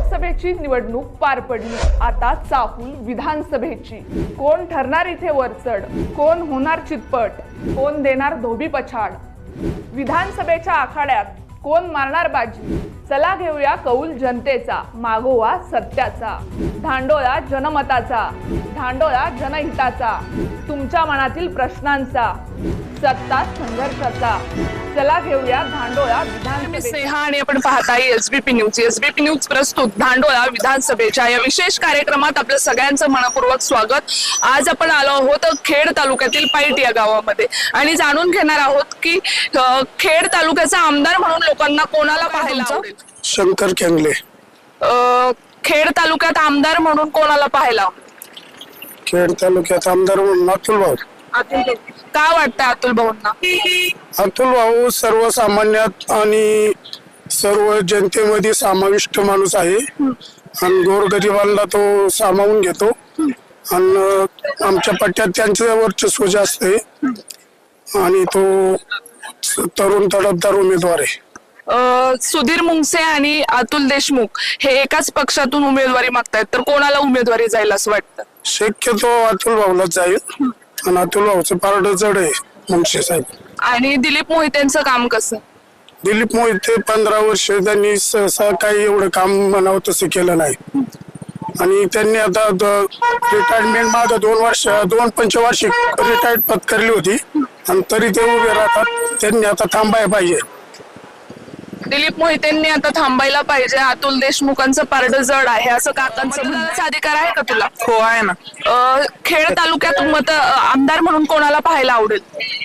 लोकसभेची निवडणूक पार पडली, आता चाहूल विधानसभेची। कोण ठरणार इथे वरचढ, कोण होणार चितपट, कोण देणार धोबी पछाड। विधानसभेच्या आखाड्यात कोण मारणार बाजी, चला घेऊया कौल जनतेचा, मागोवा सत्याचा। धांडोळा जनमताचा, धांडोळा जनहिताचा, तुमच्या मनातील प्रश्नांचा, सत्ता संघर्षाचा। चला घेऊया धांडोळा विधानसभेचा। स्नेहा आणि आपण पाहताय एसबीपी न्यूज प्रस्तुत धांडोळा विधानसभेच्या या विशेष कार्यक्रमात आपलं सगळ्यांचं मनपूर्वक स्वागत। आज आपण आलो आहोत खेड तालुक्यातील पाईट या गावामध्ये आणि जाणून घेणार आहोत की खेड तालुक्याचा आमदार म्हणून लोकांना कोणाला पाहायला आवडेल। शंकर केंगले। खेड तालुक्यात आमदार म्हणून कोणाला पाहायला आवडेल? खेड तालुक्यात आमदार म्हणून अतुल भाऊ। का वाटतं अतुल भाऊंना? अतुल भाऊ सर्वसामान्यात आणि सर्व जनतेमध्ये समाविष्ट माणूस आहे आणि गोरगरिबांना तो सामावून घेतो आणि आमच्या पट्ट्यात त्यांचं वर्चस्व जास्त आहे आणि तो तरुण तडफदार उमेदवार आहे। सुधीर मुंगसे आणि अतुल देशमुख हे एकाच पक्षातून उमेदवारी मागतायत, तर कोणाला उमेदवारी जाईल असं वाटतं? शक्यतो अतुल भाऊलाच जाईल आणि अतुल भाऊचं पारड जड आहे मुंगसे साहेब। आणि दिलीप मोहितेंचं काम कसं? दिलीप मोहिते 15 वर्ष त्यांनी सहसा काही एवढं काम म्हणावं तसं केलं नाही आणि त्यांनी आता रिटायरमेंट मागे 2 पंचवार्षिक रिटायर्ड पत्करली होती आणि तरी ते उभे राहतात। त्यांनी आता थांबायला पाहिजे। दिलीप मोहितेंनी आता थांबायला पाहिजे। अतुल देशमुखांचं पारड जड आहे असं काकांचं म्हणण्याचा अधिकार आहे का तुला? हो आहे ना। खेड तालुक्यात आमदार म्हणून कोणाला पाहायला आवडेल?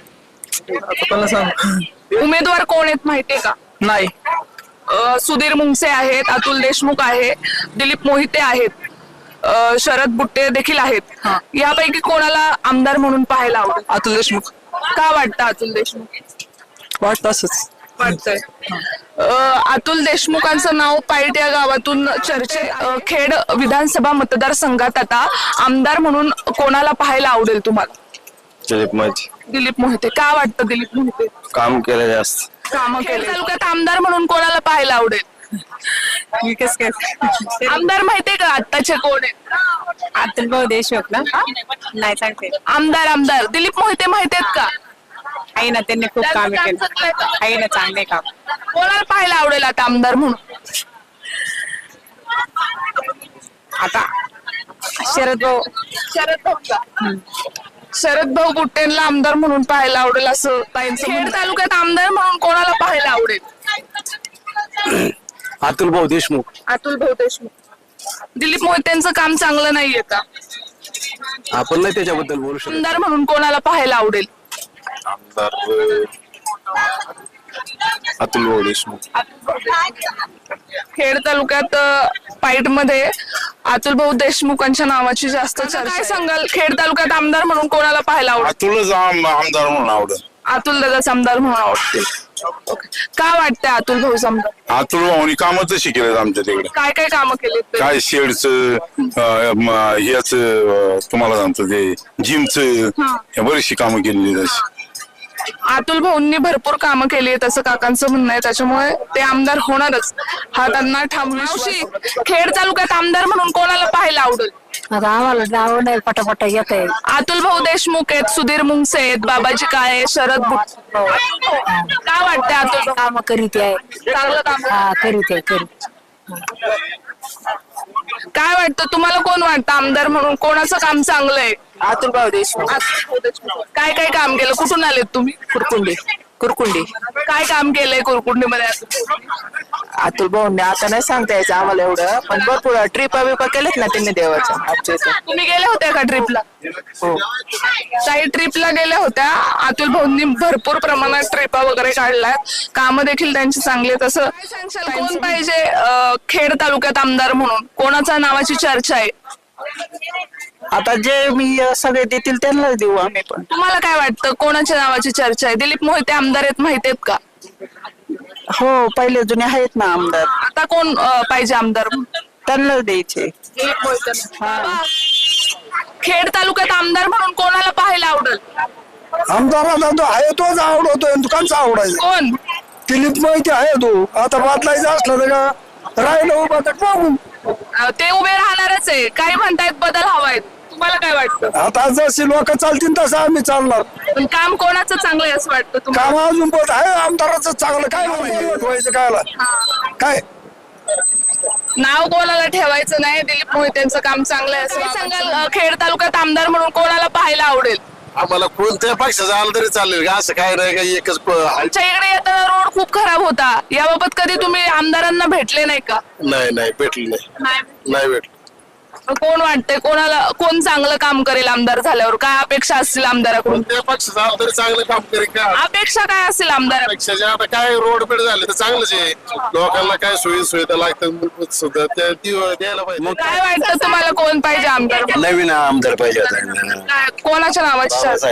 उमेदवार कोण आहेत माहितीये का? नाही। सुधीर मुंगसे आहेत, अतुल देशमुख आहे, दिलीप मोहिते आहेत, शरद बुट्टे देखील आहेत। यापैकी कोणाला आमदार म्हणून पाहायला आवडेल? अतुल देशमुख। का वाटतं अतुल देशमुख? वाटतं असंच वाटतंय। अतुल देशमुखांचं नाव पाईट या गावातून खेड विधानसभा मतदारसंघात आता आमदार म्हणून कोणाला पाहायला आवडेल तुम्हाला? दिलीप मोहिते। दिलीप मोहिते। का वाटतं दिलीप मोहिते? काम केलं जास्त। काम केलं। तालुक्यात आमदार म्हणून कोणाला पाहायला आवडेल? आमदार माहितीये का आत्ताचे कोण आहेत? अतुल भाऊ देशमुख ना? नाही सांगते। आमदार दिलीप मोहिते माहितीयेत का? आहे ना, त्यांनी खूप काम केलं आहे ना, चांगले काम। कोणाला पाहायला आवडेल आता आमदार म्हणून? आता शरद भाऊ शरद भाऊ बुट्टेंना आमदार म्हणून पाहायला आवडेल असं ताईंचं। खेड तालुक्यात आमदार म्हणून कोणाला पाहायला आवडेल? अतुल भाऊ देशमुख। अतुल भाऊ देशमुख। दिलीप मोहितेंचं काम चांगलं नाहीये का? आपण नाही त्याच्याबद्दल बोलू शकतो। आमदार म्हणून कोणाला पाहायला आवडेल? आमदार अतुल भाऊ देशमुख। खेड तालुक्यात पाईट मध्ये अतुल भाऊ देशमुखांच्या नावाची जास्त चर्चा। काय सांगाल खेड तालुक्यात आमदार म्हणून कोणाला पाहायला आवडेल? अतुलच आमदार म्हणून आवडेल। अतुल दादाच आमदार म्हणून आवडतील। का वाटतंय अतुल भाऊ आमदार? अतुल भाऊनी कामच शिकलेत आमच्या तिकडे। काय काय कामं केलीत? काय शेडचं ह्याच तुम्हाला सांगतो ते जिमचं बरीचशी कामं केलेली तशी। अतुल भाऊंनी भरपूर कामं केली आहेत असं काकांचं म्हणणं आहे, त्याच्यामुळे ते आमदार होणारच हा त्यांना ठाम विश्वास। खेड तालुक्यात आमदार म्हणून कोणाला पाहायला आवडेल? आता आम्हाला नाव नाही पटापटा येत आहे। अतुल भाऊ देशमुख आहेत, सुधीर मुंगसे आहेत, बाबाजी काळे, शरद बुट्टे। काय वाटतंय अतुल काम करीत आहे, चांगलं काम करीत आहे। काय वाटतं तुम्हाला? कोण वाटतं आमदार म्हणून कोणाचं काम चांगलं आहे? अतुल भाऊ देशमुख। काय काय काम केलं? कुठून आलेत तुम्ही? कुरकुंडी। काय काम केलंय कुरकुंडीमध्ये? अतुल भाऊंनी आता नाही सांगता यायचं आम्हाला एवढं, पण भरपूर ट्रिपा बिपा केलेत ना त्यांनी देवाच्या आमच्या इथं। तुम्ही गेल्या होत्या का ट्रिपला? हो, काही ट्रिपला गेल्या होत्या। अतुल भाऊंनी भरपूर प्रमाणात ट्रिपा वगैरे काढल्या, कामं देखील त्यांची चांगली आहेत। असं कोण पाहिजे खेड तालुक्यात आमदार म्हणून? कोणाच्या नावाची चर्चा आहे? आता जे मी सगळे देतील त्यांनाच देऊ आम्ही पण। तुम्हाला काय वाटतं कोणाच्या नावाची चर्चा आहे? दिलीप मोहिते आमदार आहेत माहितीयेत का? हो, पहिले जुने आहेत ना आमदार। आता कोण पाहिजे आमदार? त्यांनाच द्यायचे। दिलीप मोहिते। खेड तालुक्यात आमदार म्हणून कोणाला पाहायला आवडेल? आमदाराला जो आहे तोच आवडतोय, दुकानचा आवडायचा कोण? दिलीप मोहिते आहे तो। आता बदलायचा असला तर राहिलं उभा तर पाहू। ते उभे राहणारच आहे. काही म्हणतायत बदल हवाय, तुम्हाला काय वाटतं? आता जशी लोक चालतील तसं आम्ही चालणार. पण काम कोणाचं चांगलं आहे असं वाटतं तुम्हाला? काम अजून पण आहे आमदाराचं चांगलं. काय व्हायचं कायला काय नाव कोणाला ठेवायचं नाही. दिलीप मोहितेंचं काम चांगलं आहे असं सांगाल. खेड तालुक्यात आमदार म्हणून कोणाला पाहायला आवडेल? आम्हाला कोणत्या पक्षाचं आलं तरी चालेल का, असं काय नाही का एकच आमच्या इकडे येताना रोड खूप खराब होता. याबाबत कधी तुम्ही आमदारांना भेटले नाही का? नाही भेटलं नाही भेटलं. कोण वाटतंय कोणाला, कोण चांगलं काम करेल आमदार झाल्यावर? काय अपेक्षा असतील आमदाराकडून? कोणत्या पक्षाचं आलं तरी चांगलं काम करेल का? अपेक्षा काय असतील आमदार? पक्षाचे आता काय रोड पेड झाले तर चांगलंच आहे. लोकांना काय सुविधा लागतात सुद्धा त्या द्यायला पाहिजे. काय वाटतं तुम्हाला कोण पाहिजे आमदार? नवीन आमदार पाहिजे काय, कोणाच्या नावाची चर्चा?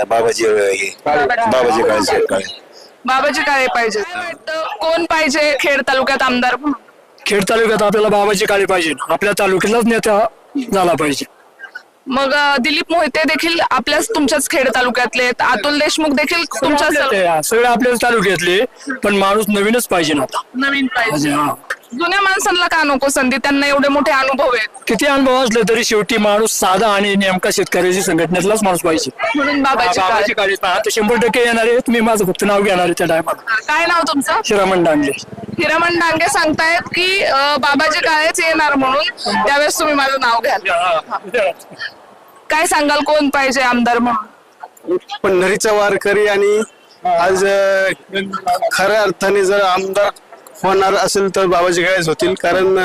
बाबाजी काळे पाहिजे. काय वाटतं कोण पाहिजे खेड तालुक्यात आमदार म्हणून? खेड तालुक्यात आपल्याला बाबाजी काळे पाहिजे. आपल्या तालुक्यातलाच नेता झाला पाहिजे. मग दिलीप मोहिते देखील आपल्याच तुमच्याच खेड तालुक्यातले आहेत. अतुल देशमुख देखील तुमच्याच सगळे आपल्याच तालुक्यातले, पण माणूस नवीनच पाहिजे ना आता. नवीन पाहिजे. हा. जुन्या माणसांना का नको संधी? त्यांना एवढे मोठे अनुभव आहेत. किती अनुभव असले तरी शेवटी माणूस साधा आणि नेमका शेतकऱ्याची संघटनेतलाच माणूस पाहिजे. म्हणून बाबाजी बाबाजी काळे. काळे आता 100% येणार आहे. तुम्ही माझं फक्त नाव घेणार आहे त्या टायमाला. काय नाव तुमचं? शिरामण डांगे. हिरामण डांगे सांगतायत की बाबाजी काळेच येणार म्हणून, त्यावेळेस तुम्ही माझं नाव घ्याल. काय सांगाल कोण पाहिजे आमदार म्हणून? पंढरीचा वारकरी आणि आज खऱ्या अर्थाने जर आमदार होणार असेल तर बाबाजी काळेच होतील. कारण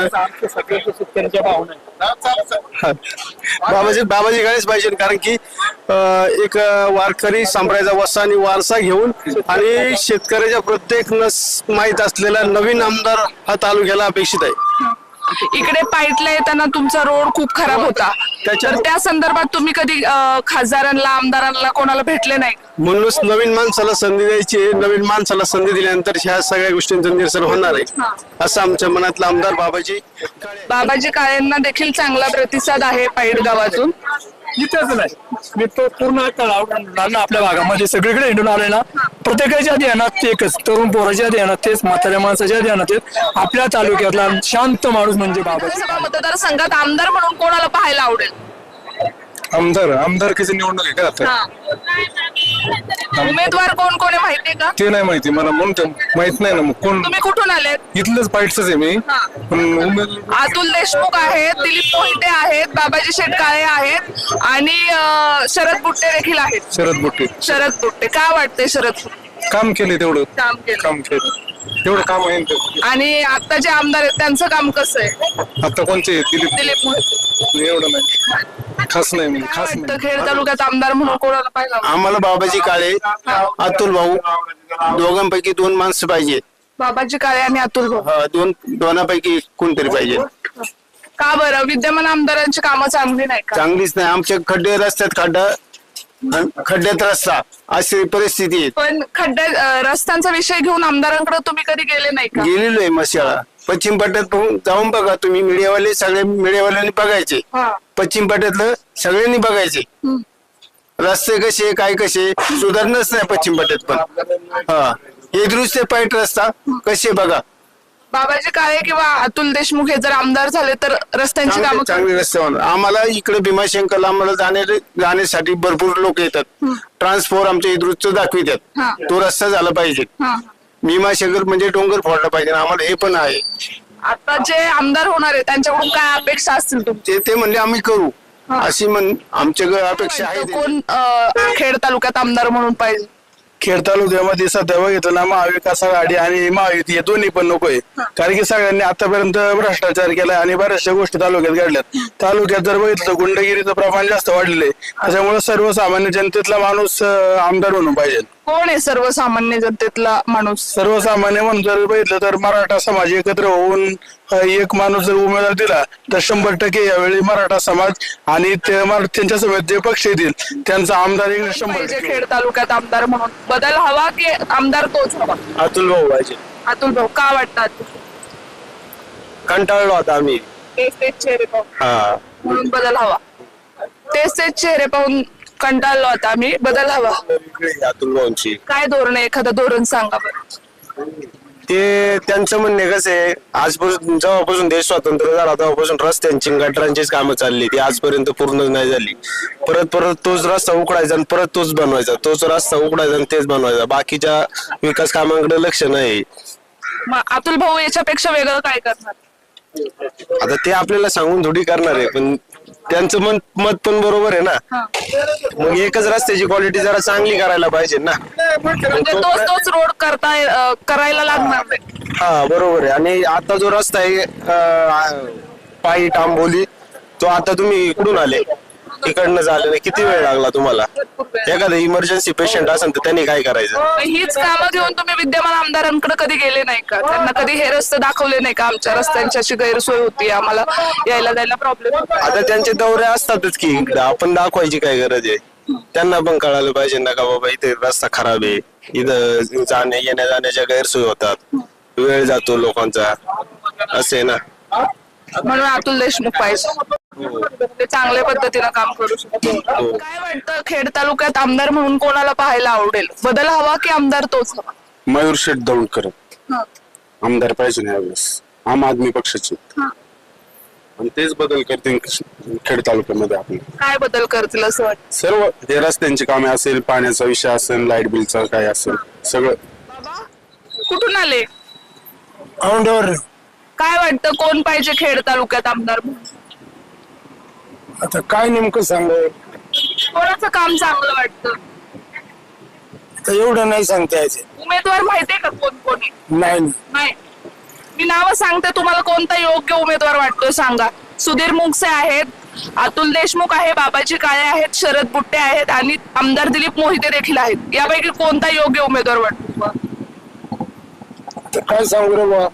बाबाजी काळेच पाहिजे. कारण की एक वारकरी संप्रदायाचा वसा आणि वारसा घेऊन आणि शेतकऱ्याच्या प्रत्येक नस माहीत असलेला नवीन आमदार हा तालुक्याला अपेक्षित आहे. इकडे पाईटला येताना तुमचा रोड खूप खराब होता, तर त्या संदर्भात तुम्ही कधी खासदारांना, आमदारांना कोणाला भेटले नाही? म्हणूनच नवीन माणसाला संधी द्यायची. नवीन माणसाला संधी दिल्यानंतर ह्या सगळ्या गोष्टींचं निरसन होणार आहे असं आमच्या मनातला आमदार बाबाजी काळेंना देखील चांगला प्रतिसाद आहे पाईट गावातून. इथेच नाही, मी तो पूर्ण आपल्या भागामध्ये सगळीकडे हिंडून आलोय ना. प्रत्येकाच्या ध्यानात एकच, तरुण पोराच्या ध्यानात तेच, म्हाताऱ्या माणसाच्या ध्यानात तेच. आपल्या तालुक्यातला शांत माणूस म्हणजे बाबाजी. विधानसभा मतदारसंघात आमदार म्हणून कोणाला पाहायला आवडेल? आमदारकीची निवडणूक आहे का आता? उमेदवार कोण कोण आहे माहितीये का? ते नाही माहिती मला, म्हणून माहित नाही ना. मग कोण? तुम्ही कुठून आलेत? इथलंच पाईटच आहे मी. अतुल देशमुख आहेत, दिलीप मोहिते आहेत, बाबाजी शेटकाळे आहेत आणि शरद बुट्टे देखील आहेत. शरद बुट्टे. शरद बुट्टे का वाटते? शरद काम केले तेवढं, काम केलं. काम केलं तेवढं काम आहे ना. आणि आता जे आमदार आहेत त्यांचं काम कसं आहे? आता कोणचे? दिलीप मोहिते. एवढं नाही, खास नाही म्हणजे खास वाटतं खेड तालुक्यात आमदार म्हणून कोणाला पाहिजे? आम्हाला बाबाजी काळे, अतुल भाऊ दोघांपैकी दोन माणसं पाहिजे. बाबाजी काळे आणि अतुल भाऊ. दोनापैकी कोणतरी पाहिजे. का बरं? विद्यमान आमदारांची कामं चांगली नाही का? चांगलीच नाही. आमच्या खड्डे रस्त्यात खड्ड्यात रस्ता अशी परिस्थिती आहे. पण खड्ड्या रस्त्यांचा विषय घेऊन आमदारांकडे तुम्ही कधी गेले नाही का? गेलेलो आहे मशाळा. पश्चिम पट्ट्यात जाऊन बघा तुम्ही. मीडियावाले सगळे मीडियावाल्यांनी बघायचे. पश्चिम पट्ट्यातलं सगळ्यांनी बघायचे रस्ते कसे काय कसे. सुधारणच नाही पश्चिम पट्ट्यात पण. हे दृश्य पाईट रस्ता कसे बघा. बाबाजी काळे किंवा अतुल देशमुख हे जर आमदार झाले तर रस्त्यांची कामं चांगले रस्ते होणार. आम्हाला इकडे भीमाशंकरला आम्हाला जाण्यासाठी भरपूर लोक येतात. ट्रान्सफॉर आमच्या इथं दाखवितात. तो रस्ता झाला पाहिजे. भीमाशंकर म्हणजे डोंगर फोडला पाहिजे. आम्हाला हे पण आहे. आता जे आमदार होणार आहे त्यांच्याकडून काय अपेक्षा असतील तुमची? ते म्हणजे आम्ही करू अशी आमच्याकडे अपेक्षा आहे. कोण खेड तालुक्यात आमदार म्हणून पाहिजे? खेड तालुक्यामध्ये सध्या बघितलं ना, महाविकास आघाडी आणि महायुती हे दोन्ही पण नको आहे. कारण की सगळ्यांनी आतापर्यंत भ्रष्टाचार केलाय आणि बऱ्याचशा गोष्टी तालुक्यात घडल्यात. तालुक्यात जर बघितलं तर गुंडगिरीचं प्रमाण जास्त वाढलेलं आहे. त्याच्यामुळे सर्वसामान्य जनतेतला माणूस आमदार म्हणून पाहिजे. कोण आहे सर्वसामान्य जनतेतला माणूस? सर्वसामान्य म्हणून जर बघितलं तर मराठा समाज एकत्र होऊन एक माणूस जर उमेदवार दिला तर 100% यावेळी मराठा समाज आणि त्यांच्या समेत जे पक्ष येतील त्यांचा आमदार 100%. खेड तालुक्यात आमदार म्हणून बदल हवा की आमदार तोच हवा? अतुल भाऊ पाहिजे. अतुल भाऊ का वाटतात? कंटाळलो आता आम्ही. तेच चेहरे पाहून म्हणून बदल हवा. तेच चेहरे पाहून कंटाळलो आता आम्ही, बदल हवा. अतुल भाऊंची काय धोरण आहे? एखादं धोरण सांगा बरं. ते त्यांचं म्हणणे कसं आहे, आजपासून जेव्हापासून देश स्वतंत्र झाला तेव्हापासून रस्त्यांची गटारांचीच कामं चालली, ती आजपर्यंत पूर्ण नाही झाली. परत तोच रस्ता उकडायचा आणि परत तोच बनवायचा, तोच रस्ता उकडायचा आणि तेच बनवायचा. बाकीच्या विकास कामांकडे लक्ष नाही. मग अतुल भाऊ याच्यापेक्षा वेगळं काय करणार? आता ते आपल्याला सांगून थोडी करणार आहे, पण त्यांचं मत पण बरोबर आहे ना. मग एकच रस्त्याची क्वालिटी जरा चांगली करायला पाहिजे ना. म्हणजे तोच रोड करायला लागणार नाही. हा बरोबर आहे. आणि आता जो रस्ता आहे पायी टांबोली, तो आता तुम्ही इकडून आले, तिकडनं झालं नाही, किती वेळ लागला तुम्हाला? एखादं इमर्जन्सी पेशंट असेल तर त्यांनी काय करायचं? हीच कामं घेऊन तुम्ही विद्यमान आमदारांकडे कधी गेले नाही का? त्यांना कधी हे रस्ते दाखवले नाही का? आमच्या रस्त्यांची अशी गैरसोय होती, आम्हाला यायला जायला प्रॉब्लेम. आता त्यांचे दौरे असतातच की इकडं, आपण दाखवायची काय गरज आहे? त्यांना पण कळायला पाहिजे ना का बाबा इथे रस्ता खराब आहे, इथं येण्या जाण्याच्या गैरसोय होतात, वेळ जातो लोकांचा, असे ना. म्हणून अतुल देशमुख पाहिजे, ते चांगल्या पद्धतीनं काम करू शकतो. काय वाटतं खेड तालुक्यात आमदार म्हणून कोणाला पाहायला आवडेल? बदल हवा की आमदार तोच हवा? मयूर शेठ दौंडकर आमदार पाहिजे ना यावेळेस, आम आदमी पक्षाचे, आणि तेच बदल करतील खेड तालुक्यामध्ये. आपण काय बदल करतील असं वाटतं? सर्व हे रस्त्यांची कामे असेल, पाण्याचा विषय असेल, लाईट बिलचा काय असेल, सगळं. कुठून आले? औंढ्यावर. काय वाटतं कोण पाहिजे खेड तालुक्यात आमदार म्हणून? आता काय नेमकं सांगाय, कोणाचं काम चांगलं वाटतं? एवढं नाही सांगता यायचं. उमेदवार माहितीये का कोण कोणी? नाही. नाही. मी नावं सांगते, तुम्हाला कोणता योग्य उमेदवार वाटतोय सांगा. सुधीर मुंगसे आहेत, अतुल देशमुख आहे, बाबाजी काळे आहेत, शरद बुट्टे आहेत आणि आमदार दिलीप मोहिते देखील आहेत. यापैकी कोणता योग्य उमेदवार वाटतो? काय सांगू रे बा.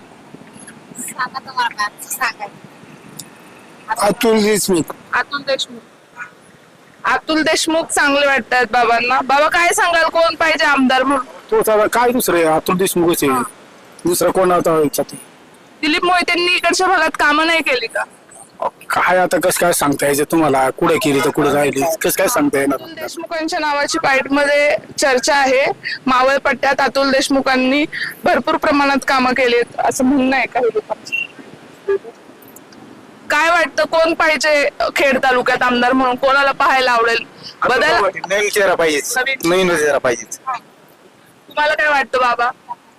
अतुल देशमुख. अतुल देशमुख. अतुल देशमुख चांगले वाटतात बाबांना. बाबा काय सांगाल, कोण पाहिजे आमदार म्हणून? तोच आता काय दुसरं आहे, अतुल देशमुखच आहे, दुसरं कोण आता? दिलीप मोहितेंनी इकडच्या भागात कामं नाही केली का? काय आता कसं काय सांगता यायचं तुम्हाला? कुठे केली तर कुठे राहिली, कसं काय सांगता येणार? अतुल देशमुखांच्या नावाची पाईटमध्ये चर्चा आहे. मावळ पट्ट्यात अतुल देशमुखांनी भरपूर प्रमाणात कामं केलीत असं म्हणणं आहे काही लोकांचं. काय वाटतं कोण पाहिजे खेड तालुक्यात आमदार म्हणून? कोणाला पाहायला आवडेल? बदल नवीन चेहरा पाहिजे, नवीन चेहरा पाहिजे. तुम्हाला काय वाटतं बाबा?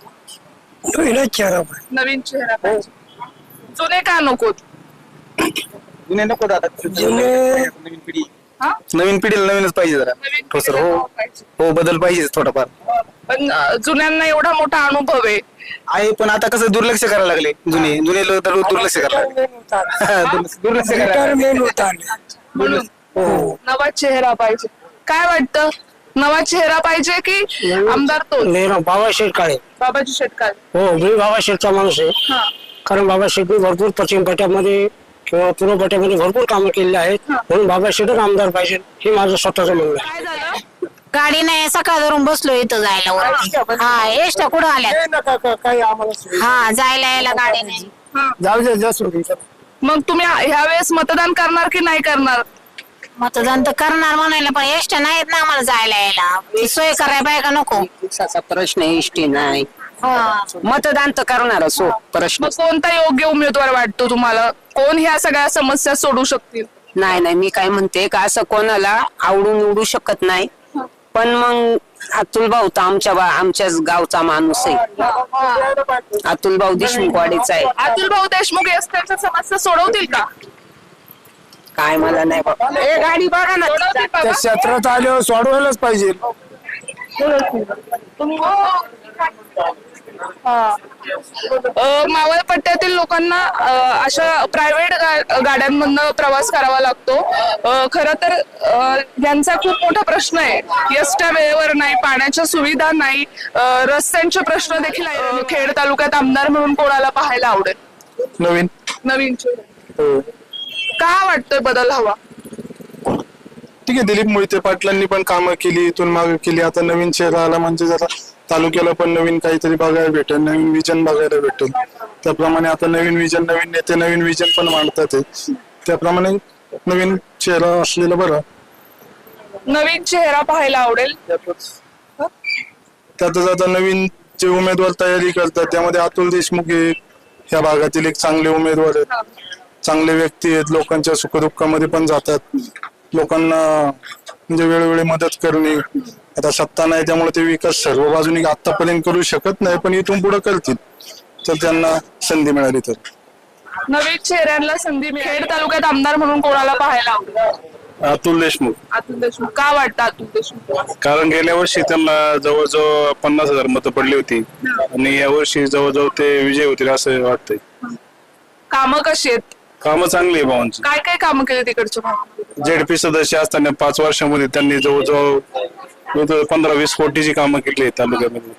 चेहरा नवीन चेहरा पाहिजे. जुने का नको? जुने नको दादा, नवीन पिढी, नवीन पिढीला नवीनच पाहिजे जरा. हो सर, हो बदल पाहिजे थोडाफार. पण जुन्यांना एवढा मोठा अनुभव आहे, पण आता कसं दुर्लक्ष करायला लागले, जुने लोक तर दुर्लक्ष करायला लागले. दुर्लक्ष म्हणून नवा चेहरा पाहिजे. काय वाटतं, नवा चेहरा पाहिजे की आमदार तो? बाबा शेटकाळे. बाबाजी शेटकाळे. हो, मी बाबा शेठचा माणूस आहे. कारण बाबा शेठने भरपूर पश्चिम पट्ट्यामध्ये किंवा पूर्व पट्ट्यामध्ये भरपूर कामं केलेली आहेत, म्हणून बाबा शेठच आमदार पाहिजे हे माझं स्वतःचं म्हणणं आहे. काय झालं? गाडी नाही, सकाळ धरून बसलो इथं जायला वर. हा, एसट्या कुठं आल्या? हा, जायला यायला गाडी नाही. जाऊ. मग तुम्ही ह्या वेळेस मतदान करणार की नाही करणार? मतदान तर करणार म्हणायला, पण एसट्या नाहीत ना आम्हाला जायला यायला. सोय करायला पाहिजे का नको? प्रश्न एसटी नाही, मतदान तर करणारच हो. प्रश्न मग कोणता योग्य उमेदवार वाटतो तुम्हाला? कोण ह्या सगळ्या समस्या सोडवू शकतील? नाही, मी काय म्हणते का असं कोणाला आवडून निवडू शकत नाही, पण मग अतुल भाऊ तर आमच्याच गावचा माणूस आहे. अतुल भाऊ देशमुख वाडीचा आहे. अतुल भाऊ देशमुख त्यांच्या समस्या सोडवतील का? काय मला नाही बाबा. गाडी बघा ना, सोडवतील बाबा? त्या क्षेत्रात आल्यावर सोडवायलाच पाहिजे. मावळ पट्ट्यातील लोकांना अशा प्रायव्हेट गाड्यांमधनं प्रवास करावा लागतो. खरं तर यांचा खूप मोठा प्रश्न आहे. एसट्या वेळेवर नाही, पाण्याच्या सुविधा नाही, रस्त्यांचे प्रश्न देखील आहे. खेड तालुक्यात आमदार म्हणून कोणाला पाहायला आवडेल? नवीन चेहरा. का वाटतोय बदल हवा? ठीक आहे, दिलीप मोहिते पाटलांनी पण कामं केली, इथून मागे केली. आता नवीन चेहरा आला म्हणजे जरा तालुक्याला पण नवीन काहीतरी बघायला भेटेल, नवीन विजन बघायला भेटेल. त्याप्रमाणे आता नवीन विजन, नवीन नेते नवीन विजन पण मांडतात. त्याप्रमाणे नवीन चेहरा असलेला बरा. नवीन चेहरा पाहायला आवडेल. त्यातच आता नवीन जे उमेदवार तयारी करतात त्यामध्ये अतुल देशमुख हे ह्या भागातील एक चांगले उमेदवार आहेत, चांगले व्यक्ती आहेत, लोकांच्या सुखदुःखामध्ये पण जातात, लोकांना म्हणजे वेळोवेळी मदत करणे. आता सत्ता नाही त्यामुळे ते विकास सर्व बाजूनी आतापर्यंत करू शकत नाही, पण इथून पुढे करतील तर त्यांना संधी मिळाली तर. नवीन चेहऱ्यांना संधी मिळेल. खेड तालुक्यात आमदार म्हणून कोणाला पाहायला आवडेल? अतुल देशमुख. अतुल देशमुख. का वाटतं अतुल देशमुख? कारण गेल्या वर्षी त्यांना जवळजवळ 50,000 मतं पडली होती आणि या वर्षी जवळजवळ ते विजय होतील असं वाटतंय. कामं कशी आहेत? कामं चांगली आहे भावांची. काय काय कामं केली तिकडच्या भागात? जेडपी सदस्य असताना 5 वर्षामध्ये त्यांनी जवळजवळ 15-20 कोटीची कामं केली आहेत तालुक्यामध्ये.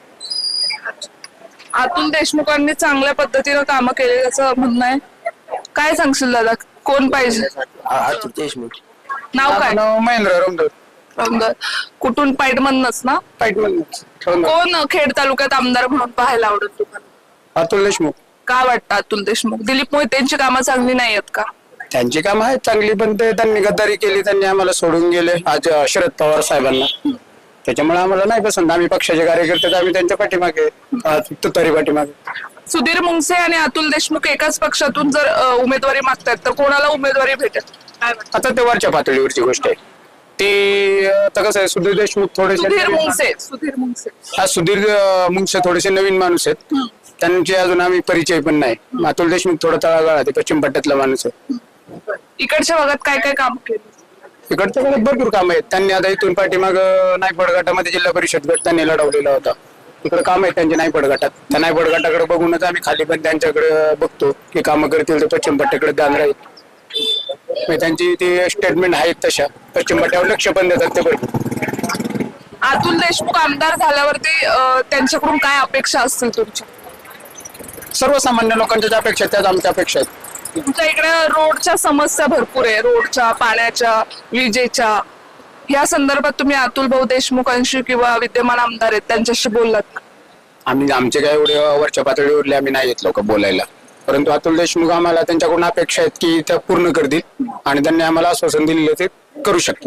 अतुल देशमुखांनी चांगल्या पद्धतीनं कामं केली असं म्हणणं आहे. काय सांगशील दादा, कोण पाहिजे? अतुल देशमुख. नाव काय? महेंद्र रमदार. कुठून? पाईटमधनच ना? कोण खेड तालुक्यात आमदार म्हणून पाहायला आवडेल तुम्हाला? अतुल देशमुख. का वाटतं अतुल देशमुख? दिलीप मोहितेंची कामं चांगली नाही आहेत का? त्यांची कामं आहेत चांगली, पण ते त्यांनी गद्दारी केली, त्यांनी आम्हाला सोडून गेले आज शरद पवार साहेबांना. त्याच्यामुळे आम्हाला नाही पसंत. आम्ही पक्षाचे कार्यकर्ते, आम्ही त्यांच्या पाठीमागे तरी पाठीमागे. सुधीर मुंगसे आणि अतुल देशमुख एकाच पक्षातून जर उमेदवारी मागतात तर कोणाला उमेदवारी भेटेल? आता ते वरच्या पातळीवरची गोष्ट आहे. ते आता कसं आहे, सुधीर देशमुख थोडेसे सुधीर मुंगसे थोडेसे नवीन माणूस आहेत, त्यांचे अजून आम्ही परिचय पण नाही. अतुल देशमुख थोडा तळागाळात आहे, पश्चिम पट्ट्यातला माणूस आहे. इकडच्या भागात काय काय काम केलं? इकडच्या भागात भरपूर काम आहेत. त्यांनी आता इथून पाठीमाग नायपड गटामध्ये जिल्हा परिषद गट त्यांनी लढवलेला होता. तिकडे काम आहेत त्यांचे नायपड गटात. त्या नायपड गटाकडे बघूनच आम्ही खाली पण त्यांच्याकडे बघतो की कामं करतील तर पश्चिम पट्ट्याकडे ध्यान राहील. त्यांची ती स्टेटमेंट आहेत तशा पश्चिम पट्ट्यावर लक्ष पण देतात ते बरोबर. अतुल देशमुख आमदार झाल्यावरती त्यांच्याकडून काय अपेक्षा असतील तुमच्या? सर्वसामान्य लोकांच्या ज्या अपेक्षा त्याच आमच्या अपेक्षा आहेत. तुमच्या इकडे रोडच्या समस्या भरपूर आहे, रोडच्या, पाण्याच्या, विजेच्या. या संदर्भात तुम्ही अतुल भाऊ देशमुखांशी किंवा विद्यमान आमदार आहेत त्यांच्याशी बोललात? आम्ही आमचे काय एवढे वरच्या पातळीवरले आम्ही नाही येत लोक बोलायला, परंतु अतुल देशमुख आम्हाला त्यांच्याकडून अपेक्षा आहेत की त्या पूर्ण करतील आणि त्यांनी आम्हाला आश्वासन दिलेलं ते करू शकतील.